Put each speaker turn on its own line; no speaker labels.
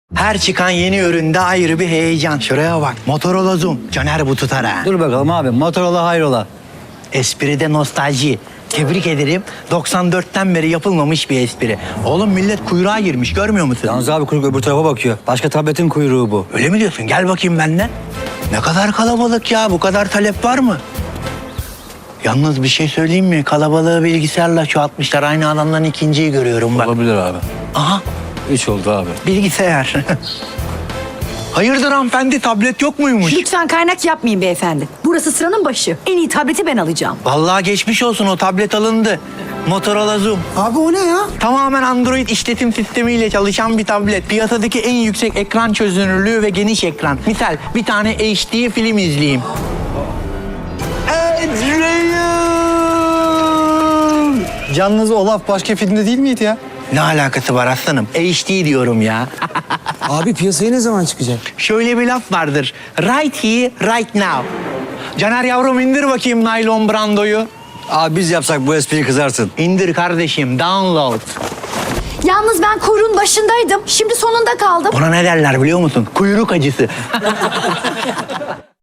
Her çıkan yeni üründe ayrı bir heyecan. Şuraya bak. Motorola Zoom. Caner bu tutar ha.
Dur bakalım abi. Motorola hayrola.
Espride nostalji. Tebrik ederim. 94'ten beri yapılmamış bir espri. Oğlum millet kuyruğa girmiş görmüyor musun?
Yalnız abi kuyruk öbür tarafa bakıyor. Başka tabletin kuyruğu bu.
Öyle mi diyorsun? Gel bakayım benimle. Ne kadar kalabalık ya. Bu kadar talep var mı? Yalnız bir şey söyleyeyim mi? Kalabalığı bilgisayarla çoğaltmışlar. Aynı adamdan ikinciyi görüyorum bak.
Olabilir abi.
Aha
3 oldu abi.
bilgisayar. Hayırdır hanımefendi, tablet yok muymuş?
Lütfen kaynak yapmayın beyefendi. Burası sıranın başı. En iyi tableti ben alacağım.
Vallahi geçmiş olsun, o tablet alındı. Motorola Zoom.
Abi o ne ya?
Tamamen Android işletim sistemiyle çalışan bir tablet. Piyasadaki en yüksek ekran çözünürlüğü ve geniş ekran. Misal bir tane HD film izleyeyim.
Yalnız Olaf başka filmde değil miydi ya?
Ne alakası var aslanım? HD diyorum ya.
Abi piyasaya ne zaman çıkacak?
Şöyle bir laf vardır. Right here, right now. Caner yavrum indir bakayım naylon brandoyu.
Abi biz yapsak bu espriyi kızarsın.
İndir kardeşim, download.
Yalnız ben kuyruğun başındaydım. Şimdi sonunda kaldım.
Ona ne derler biliyor musun? Kuyruk acısı.